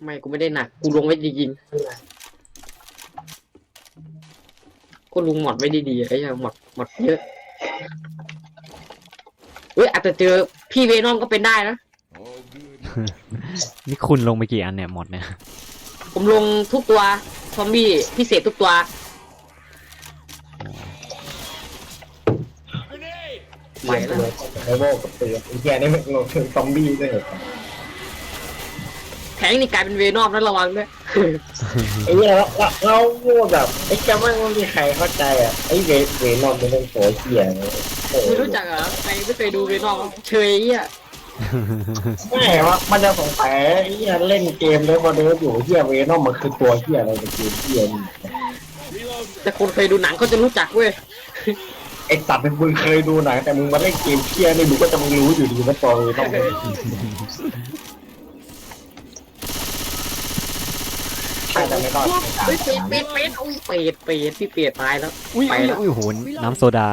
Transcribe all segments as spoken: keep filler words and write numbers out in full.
ไม่กูไม่ได้หนักกูลงไว้จริงๆกูลงหมดไว้ดีๆไอ้ยังหมดหมดเยอะเฮ้ยอาจจะเจอพี่เวนอมก็เป็นได้นะนี่คุณลงไปกี่อันเนี่ยหมดเนี่ยผมลงทุกตัวซอมบี้พิเศษทุกตัวไปแล้วไอ้โบกับเตือนไอ้แกนี่มันลงถึงซอมบี้ด้วยแทงนี่กลายเป็นเวนอมนั้นระวังด้วยไอ้เนี่ยเราเราพูดแบบไอ้แกไม่มีใครเข้าใจอ่ะไอ้เวเวนอมมันเป็นโผล่เหี้ยไม่รู้จักเหรอใครไม่เคยดูเวนอมเชยอ่ะไม่ว่ามันจะสงสัยไอ้เหี้ยเล่นเกมแล้วมาเดินอยู่เหี้ยเวนอมมันคือตัวเหี้ยอะไรในเกมเหี้ยนี่แต่คนเคยดูหนังเขาจะรู้จักเว้ยไอ้สัตว์เป็นมึงเคยดูหนังแต่มึงมาเล่นเกมเหี้ยนี่มึงก็จะมึงรู้อยู่ดีว่าตัวเวนอมใช่แต่ไม่รอดเฮ้ยเป็ดเป็ดเป็ดอุ้ยเป็ดเป็ดพี่เป็ดตายแล้วอุ้ยไปอุ้ยแล้วอุ้ยโหน้ำโซดา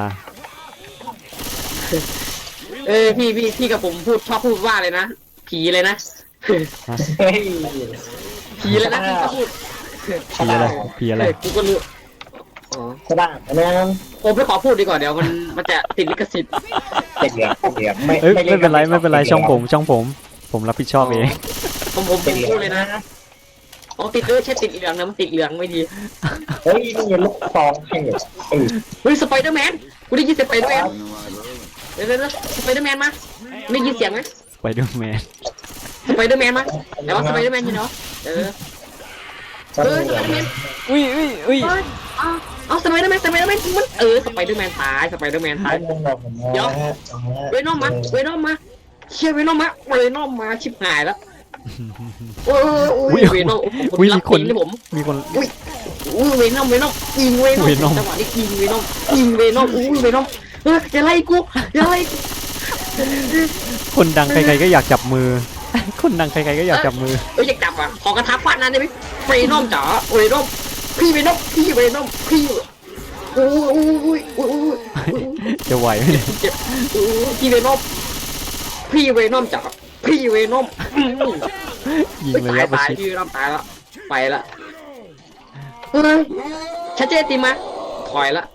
เออพี่พี่พี่กับผมพูดชอบพูดว่าเลยนะผีเลยนะเฮ้ยผีเลยนะพี่ก็พูดผีอะไรผีอะไรกูก็รู้อ๋อก็ได้นะผมไม่ขอพูดดีกว่าเดี๋ยวมันมันจะติดลิขสิทธิ์เด็กเหลือเด็กไม่ไม่เป็นไรไม่เป็นไรช่องผมช่องผมผมรับผิดชอบเองผมผมพูดเลยนะอ๋อติดเออใช่ติดเหลืองนะมันติดเหลืองไม่ดีเฮ้ยนี่ลูกซองให้เออเฮ้ยสไปเดอร์แมนกูได้ยินสไปเดอร์แมนเดี๋ยวเดี๋ยวสไปเดอร์แมนมาได้ยินเสียงไหมสไปเดอร์แมนสไปเดอร์แมนมาแต่ว่าสไปเดอร์แมนอยู่เนาะเออเออสไปเดอร์แมนอุ้ยอุ้ยอุ้ยเอาสไปเดอร์แมนสไปเดอร์แมนมันเออสไปเดอร์แมนตายสไปเดอร์แมนตายเดี๋ยวเวนอมมาเวนอมมาเชี่ยเวนอมมาเวนอมมาชิบหายแล้วโอ้ยโอ้ยเวนอมอุ้ยมีคนผมมีคนอุ้ยอุ้ยเวนอมเวนอมยิงเวนอมจังหวะนี้ยิงเวนอมยิงเวนอมอุ้ยเวนอมเอออย่าไล่กูอย่าไล่กูคนดังใครๆก็อยากจับมือคนดังใครๆก็อยากจับมือเอออยากจับอ่ะขอกระทะฟาดนั่นได้ไหมเวนอมจ๋าเวนอมพี่เวนอมพี่เวนอมพี่โอ้ยโอ้ยโอ้ยโอ้ยจะไหวไหมเจ็บโอ้ยพี่เวนอมพี่เวนอมจ๋าพี่เวนอมยิงเลยครับตายพี่เวนอมตายแล้วไปละเฮ้ยชัดเจนตีมาถอยละ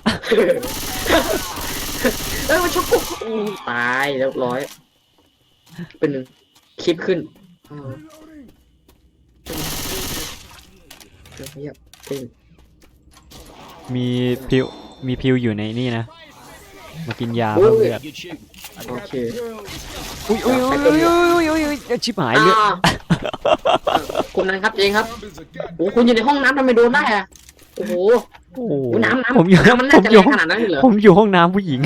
เออมันชกกูตายเรียบร้อยเป็นคลิปขึ้นมีพิวมีพิวอยู่ในนี่นะมากินยาเพิ่มเลือดโอเคอุ้ยอุ้ยอุ้ยอุ้ยอุ้ยอุ้ยชิบหายเลือดคุณนั้นครับเองครับโอ้คุณอยู่ในห้องน้ำทำไมโดนได้อะโอ้โหโอ้โหน้ำน้ำผมอยู่มันน่าจะแรงขนาดนั้นเหรอผมอยู่ห้องน้ำผู้หญิง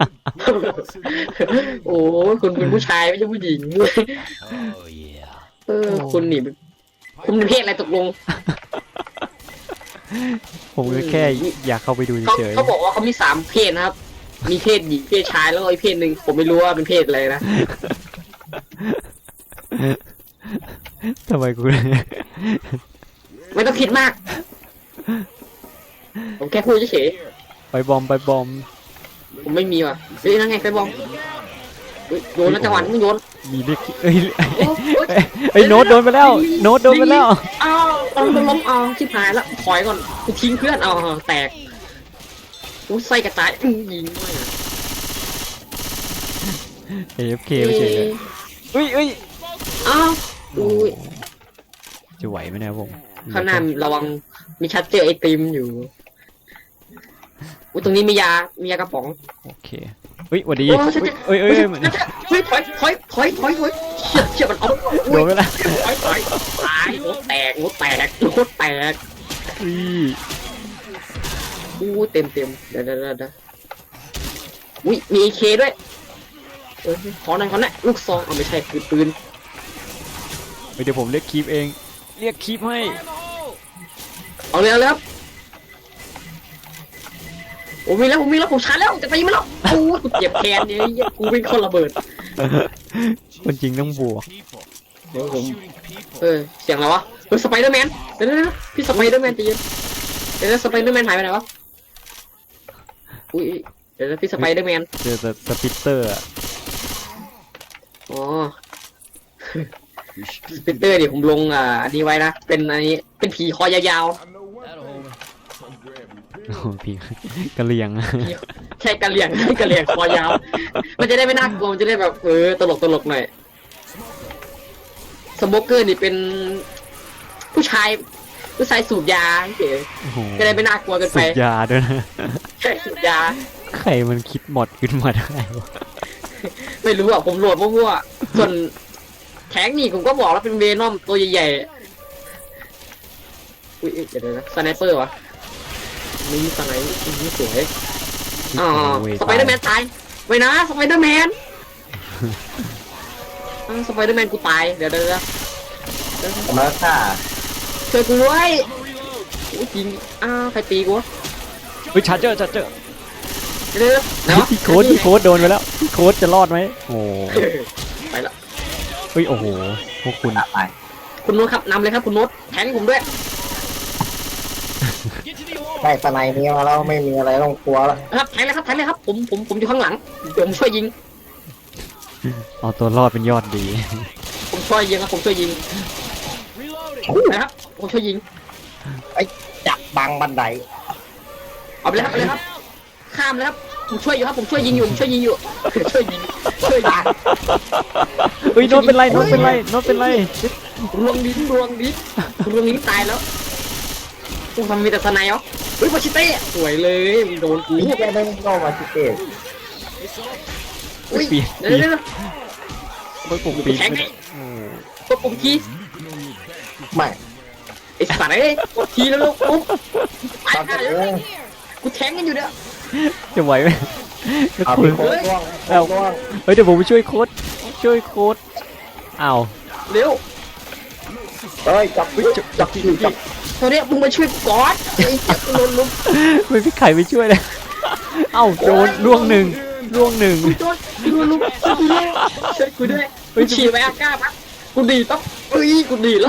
โอ้คุณเป็นผู้ชายไม่ใช่ผู้หญิงเออคุณนี่คุณเป็นเพศอะไรตกลงผมก็แค่อยากเข้าไปดูเฉยเขาบอกว่าเขามีสามเพศนะครับมีเพศหญิงเพศชายแล้วก็อีกเพศหนึ่งผมไม่รู้ว่าเป็นเพศอะไรนะทำไมกูไม่ต้องคิดมากผมแค่พูดเฉยไปบอมไปบอมผมไม่มีว่ะเฮ้ยนั่งไงไปบอมโยนแล้วจังหวะนี้โยนมีเด็กเอ้ยไอ้โน้ตโดนไปแล้วโน้ตโดนไปแล้วอ้าวต้องล้มเอาชิบหายแล้วถอยก่อนกูทิ้งเพื่อนเอาแตกกูใส่กระต่ายยิงด้วยเอฟเคไปเฉยเลยอุ้ยอุ้ยอ้าวอุ้ยจะไหวไหมเนี่ยผมข้างหน้าระวังมีชัดเจอไอติมอยู่อุ้ยตรงนี้มียามียากระป๋องโอเคเฮ้ยวันดีเฮ้ยเฮ้ยเฮ้ยเฮ้ยถอยถอยถอยถอยถอยเชี่ยเชี่ยมันเอาโดนไปแล้วถอยถอยตายหัวแตกหัวแตกหัวแตกอุ้ยอู้เต็มเต็มเดี๋ยวเดี๋ยวเดี๋ยวอุ้ยมีเคด้วยเออขอหน่อยขอหน่อยลูกซองเอาไม่ใช่คือปืนเดี๋ยวผมเรียกคีบเองเรียกคีบให้เอาเลยเอาเลยครับโอ้มีแล้วผมมีแล้วผมชาร์จแล้วจะตีมันแล้วโอ้กูเจ็บแขนเนี่ยกูเป็นคนระเบิดคนจริงต้องบวกเดี๋ยวผมเออเสียงอะไรวะเฮ้ยสไปเดอร์แมนเดี๋ยวนะพี่สไปเดอร์แมนตีเดี๋ยวสไปเดอร์แมนหายไปไหนวะอุ้ยเดี๋ยวพี่สไปเดอร์แมนเจอแต่สปิตเตอร์อ๋อสปิตเตอร์ดิผมลงอ่าอันนี้ไว้นะเป็นอันนี้เป็นผีคอยาวโอ้พี่กะเหรี่ยงๆใช่กระเหลี่ยงกระเหลี่ยงคอยาว มันจะได้ไม่น่ากลัวมันจะได้แบบเออตลกตลกหน่อยสโมเกอร์นี่เป็นผู้ชายผู้ชายสูบยาเฉยโอ้โหจะได้ไม่น่ากลัวเกินสูไปบยาด้วยนะใช่สูบยาใครมันคิดหมดขึ้นมาได้วะไม่รู้อ่ะผมโหลดมั่วๆส่วนแทงนี่ผมก็บอกแล้วเป็นเวนอมตัวใหญ่ๆอุ้ยเดี๋ยวนะสไนเปอร์วะนี่สไนนี่สวยอ๋อสไปเดอร์แมนตายไว้นะสไปเดอร์แมนสไปเดอร์แมนกูตายเดี๋ยวเดี๋ยวมาค่ะช่วยกูด้วยโอ้จริงอ้าวใครตีกูวะเฮ้ยชาร์เจอร์ชาร์เจอร์เดี๋ยวเนาะพี่โค้ดพี่โค้ดโดนไปแล้วพี่โค้ดจะรอดไหมโอ้ไปละเฮ้ยโอ้โหพวกคุณไปคุณโน้ตครับนำเลยครับคุณโน้ตแทงผมด้วยได้สไนนี้มาแล้วไม่มีอะไรต้องกลัวแล้วครับแทงเลยครับแทงเลยครับผมผมผมอยู่ข้างหลังผมช่วยยิงเอาตัวรอดเป็นยอดดีผมช่วยยิงครับผมช่วยยิงนะครับผมช่วยยิงไอ้จับบังบันไดเอาไปเลยครับเอาไปเลยครับข้ามเลยครับผมช่วยอยู่ครับผมช่วยยิงอยู่ผมช่วยยิงอยู่ ช่วยยิงช่วยยิงเฮ้ยโน้ตเป็นไรโน้ตเป็นไรโน้ตเป็นไรรวงลิ้นรวงลิ้นรวงลิ้นตายแล้วโอ้ทำมีแต่สไนเหรอเฮ้ยปาชิเต้สวยเลยมันโดนกูนี่แกไม่ต้องมาชิเก้อุ้ยปีนเดี๋ยวปีนเดี๋ยวเฮ้ยผมปีนแทงไงโอ้กดปุ่มคีย์ไม่ไอ้สัตว์เอ้ยกดคีย์แล้วลูกปุ๊บไปตอนหานี้เลยกูแทงกันอยู่เนี่ยจะไหวไหมแล้วเอาคุไปณโค้งร่วงเอ้าร่วงเฮ้ยเดี๋ยวผมไปช่วยโค้ดช่วยโค้ดอ้าวเร็วเฮ้ยจับวิจับจับจับตอนนี้มึงมาช่วยกูก่อนไอ้เจ็บโดนลุมไม่พี่ไข่ไปช่วยเลยเอ้าโดนล่วงหนึ่งล่วงหนึ่งกูโดนกูโดนลุมช่วยกูด้วยช่วยกูด้วยกูฉี่ไปอาก้าปั๊บกูดีต้องเอ้ยกูดีแล้ว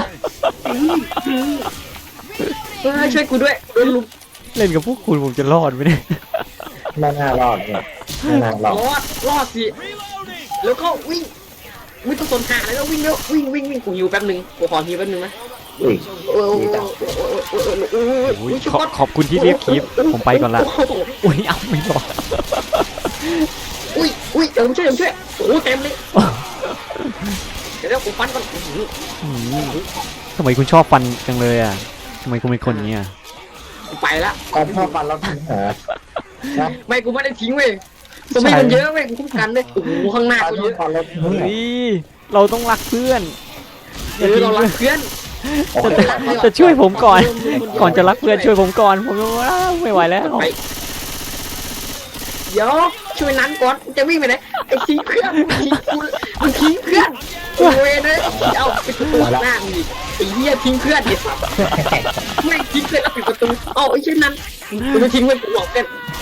เฮ้ยช่วยกูด้วยโดนลุมเล่นกับพวกคุณผมจะรอดไหมเนี่ยไม่น่ารอดเนี่ยไม่น่ารอดรอดรอดสิแล้วก็วิ่งวิ่งต้องสนหาเลยแล้ววิ่งเร็ววิ่งวิ่งวิ่งกูหิวแป๊บนึงกูขอหิวแป๊บนึงนะอุ้ยโอ้ยโอ้ยโอ้ยโอ้ยโอ้ยโอ้ยขอบขอบคุณที่เรียกคลิปผมไปก่อนละอุ้ยเอาไม่รอดอุ้ยอุ้ยเดี๋ยวผมช่วยเดี๋ยวผมช่วยโอ้เต็มเลยเดี๋ยวเดี๋ยวผมฟันก่อนอืมทำไมคุณชอบฟันจังเลยอ่ะทำไมคุณเป็นคนอย่างนี้อ่ะไปละตอนพ่อฟันแล้วทิ้งหานะไม่กูไม่ได้ทิ้งเว้ยสมัยมันเยอะเว้ยกูคุ้มกันเลยโอ้โหข้างหน้าตอนกูพ่เยออะฟันแล้วทิ้งเฮ้หายเราต้องรักเพื่อนเออเรารักเพื่อนจะจะช่วยผมก่อน ก่อนจะรักเพื่อนช่วยผมก่อนผมว่าไม่ไหวแล้วไปเดี๋ยวช่วยนั้นก่อนจะวิ่งไปไหนไอ้ทิ้งเพื่อนทิ้งกูมึงทิ้งเพื่อนโอ้ยเลยเอาไปประตูหน้ามึงดิไอ้เหี้ยทิ้งเพื่อนดิไม่ทิ้งเพื่อนแล้วปิดประตูเอาไอ้ชื่อนั้นกูไม่ทิ้งเพื่อนกูบอกกัน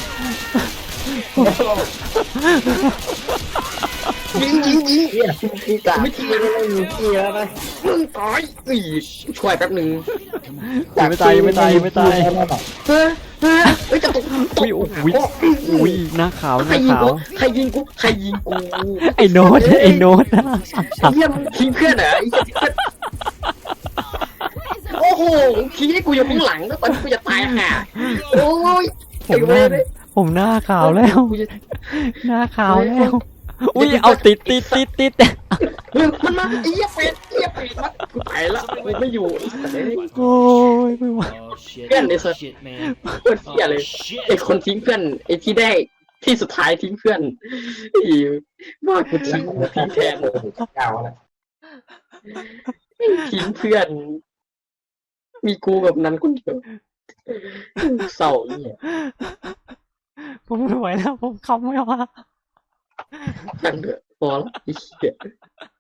ยิงยิงยิงเฮียพี่กาไม่ทิ้งเลยไม่มีพี่แล้วนะมึงตายอีช่วยแป๊บหนึ่งยังไม่ตายยังไม่ตายยังไม่ตายเฮ้ยเฮ้ยเฮ้ยจะตกตอุ้ยกอุ้ยอุ้ยหน้าขาวหใครน้ายิงขากูวใครยิงกูใครยิงกูไอ้โน้ตไอ้โน้ตไอ้เหี้ยมึงทิ้งเพื่อนเหรอไอ้เหี้ยทิ้งเพื่อนโอ้โหทิ้งให้กูอยู่ข้างหลังแล้วตอนนี้กูจะตายห่าโอ้ยผไอ้มหเว้น้ายเลยผมหน้าขาวแล้วกูจะหน้าขาวแล้วอุ้ยเอาติดติดติดติดเฮ้ยมันมาไอ้เหี้ยเป็ดไอ้เหี้ยเป็ดมากูตายแล้วกูไม่อยู่ไอ้สัตว์เอ้ยโอ้ยไม่ไหวเพื่อนเลยสัตว์เพื่อนเหี้ยเลยไอ้คนทิ้งเพื่อนไอ้ที่ได้ที่สุดท้ายทิ้งเพื่อนไอ้ว่ากูทิ้งทิ้งแทนเก่าแล้วทิ้งเพื่อน มีกูแบบนั้นคนเดียวเศร้าเนี่ยผมไม่ไหวแล้วผมคำไม่ว่าช่างเถอะพอแล้วไอ้เหี้ย